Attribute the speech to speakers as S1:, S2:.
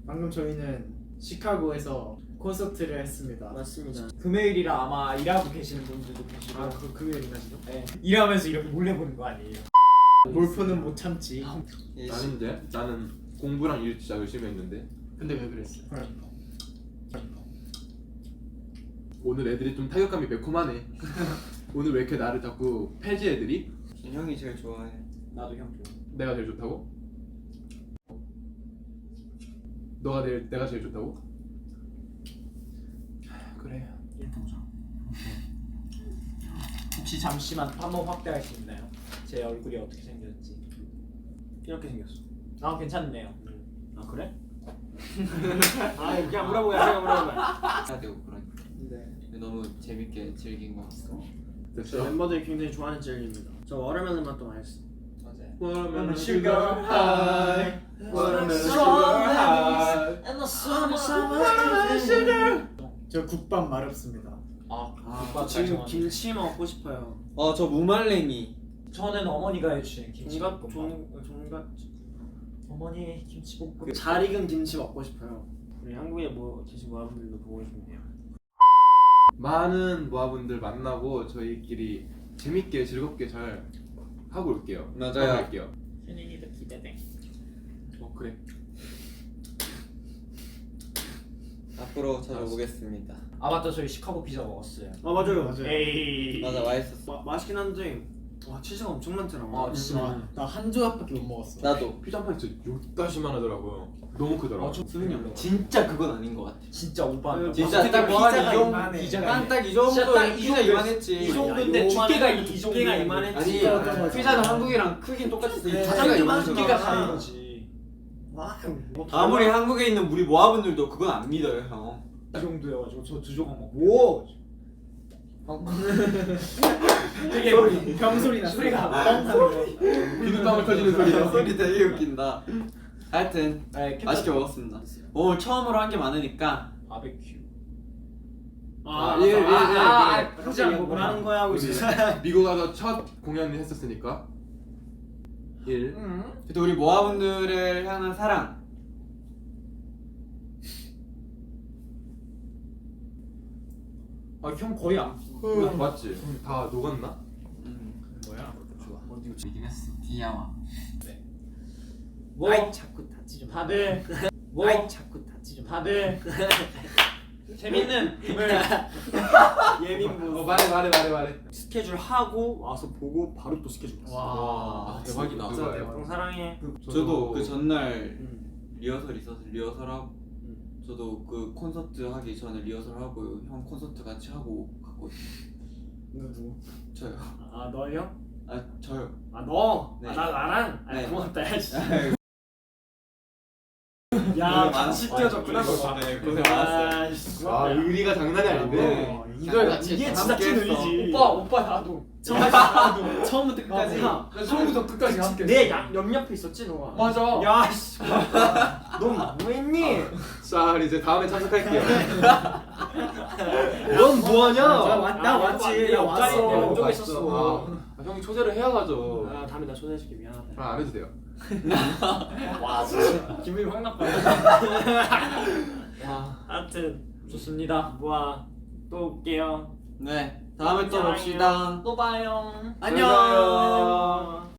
S1: 방금 저희는 시카고에서 콘서트를 했습니다.
S2: 맞습니다.
S3: 금요일이라 아마 일하고 계시는 분들도 계시고.
S1: 아, 그 금요일인가 지금?
S3: 네. 일하면서 이렇게 몰래 보는 거 아니에요?
S1: 골프는 못 참지.
S4: 나는 공부랑 일 진짜 열심히 했는데
S1: 근데 왜 그랬어요?
S4: 오늘 애들이 좀 타격감이 매콤하네. 오늘 왜 이렇게 나를 자꾸 패지 애들이?
S2: 형이 제일 좋아해.
S3: 나도 형 좋아.
S4: 내가 제일 좋다고? 내가 제일 좋다고? 그래.
S3: 혹시 잠시만 한번 확대할 수 있나요? 제 얼굴이 어떻게 생겼지?
S2: 이렇게 생겼어.
S3: 아 괜찮네요.
S2: 아 그래? 아 그냥 물어보야
S5: 해야 되고 그러니까
S2: 네.
S5: 너무 재밌게 즐긴 것 같습니다.
S2: 저 멤버들이 굉장히 좋아하는 젤리입니다. 저 워터멜론 맛도 맛있어.
S5: 맞아요.
S4: Watermelon
S3: sugar
S4: high, watermelon sugar high.
S3: And the summer sugar.
S1: 저 국밥 마렵습니다.
S3: 국밥
S2: 지금
S3: 지금
S2: 김치 먹고 싶어요.
S5: 저 무말랭이.
S3: 저는 어머니가 해주신 김치볶음밥.
S2: 종갓
S3: 어머니 김치볶음.
S2: 잘 익은 김치 먹고 싶어요. 우리 한국에 계신 모아분들도 보고 싶네요.
S4: 많은 모아분들 만나고 저희끼리 재밌게 즐겁게 잘 하고 올게요.
S5: 맞아요.
S4: 하고 올게요.
S3: 현인이도 기대돼.
S4: 그래.
S5: 앞으로 찾아오겠습니다.
S3: 아 맞다, 저희 시카고 피자 먹었어요.
S2: 아 맞아요.
S1: 맞아요.
S3: 에이.
S5: 맞아, 맛있었어.
S2: 맛있긴 한데 와 치즈가 엄청 많더라고.
S3: 아 진짜.
S1: 나한 조각밖에 못 먹었어.
S5: 나도.
S4: 피자 한 판이 진짜 요따시만 하더라고요. 너무 크더라고.
S3: 수빈이 형
S5: 진짜 그건 아닌 것 같아.
S3: 진짜 오빠.
S5: 진짜 딱 피자가
S1: 이만해.
S3: 피자가
S5: 딱이 정도.
S3: 진짜 딱이
S5: 피자
S3: 정도
S5: 이만했지.
S3: 이 정도인데 두께가 이 정도.
S2: 두께가 이만했지.
S5: 아니 피자는 한국이랑 크긴 똑같은데
S2: 네.
S5: 두께가
S2: 가장
S5: 이만해서.
S3: 두께가 다른 거지.
S2: 와.
S5: 아무리 한국에 있는 우리 모아분들도 그건 안 믿어요, 형.
S3: 이 정도여가지고 저 두 조각 먹고.
S2: 오.
S3: 되게
S1: 병소리 났어.
S3: 소리가
S1: 뻥 하는 거.
S4: 비눗방울 터지는 소리가.
S5: 소리 되게 웃긴다. 하여튼
S3: 네,
S5: 맛있게 먹었습니다. 오늘 처음으로 한 게 많으니까
S3: 바베큐.
S2: 그지 않고 뭘 하는 거야 하고
S4: 우리
S2: 있어.
S4: 미국 가서 첫 공연을 했었으니까 1.
S5: 그래도 우리 모아분들을 향한 사랑.
S3: 형 거의 안.
S4: 맞지? 다 녹았나?
S3: 뭐야?
S5: 좋아. 어디 이긴 했어. 귀여워.
S3: 뭐?
S2: 아이 자꾸 다치지 마.
S3: 다들 뭐?
S2: 아이 자꾸 다치지 마.
S3: 다들 재밌는 금을
S2: 예민부.
S4: 말해.
S2: 스케줄 하고 와서 보고 바로 또 스케줄 갔어.
S4: 와, 대박이다.
S1: 진짜 대박.
S2: 형 사랑해.
S5: 저도 그 전날
S2: 응.
S5: 리허설 있어서 리허설하고 저도 그 콘서트 하기 전에 리허설하고 형 콘서트 같이 하고 갔거든요.
S2: 누구?
S5: 저요.
S2: 아 너요?
S5: 아 저요.
S2: 아 너?
S5: 네.
S2: 아 나랑? 아
S5: 네.
S2: 고맙다 야지.
S5: 고생
S2: 야
S5: 많았어.
S2: 같이 뛰어줬구나 너.
S5: 네, 고생 많았어요.
S4: 아, 의리가 장난이 아닌데.
S1: 이걸
S2: 이게 진짜 찐 의리지.
S3: 오빠 나도.
S2: 처음부터 끝까지.
S3: 처음부터 끝까지 함께.
S2: 내 옆옆에 있었지 너가.
S3: 맞아.
S2: 야 씨. 너 뭐했니?
S4: 자, 이제 다음에 참석할게요.
S2: 넌 뭐하냐?
S1: 나 왔지. 나 왔어.
S2: 내 왼쪽에
S4: 왔어.
S2: 있었어.
S4: 형이 초대를 해야 가죠.
S2: 아 다음에 나 초대해줄게 미안하다.
S4: 안 해도 돼요.
S2: 와 진짜 기분이 확 나빠. 하여튼
S3: 좋습니다.
S2: 뭐야 또 올게요.
S5: 네. 다음에 또
S2: 사랑해요.
S5: 봅시다.
S3: 또 봐요.
S2: 안녕.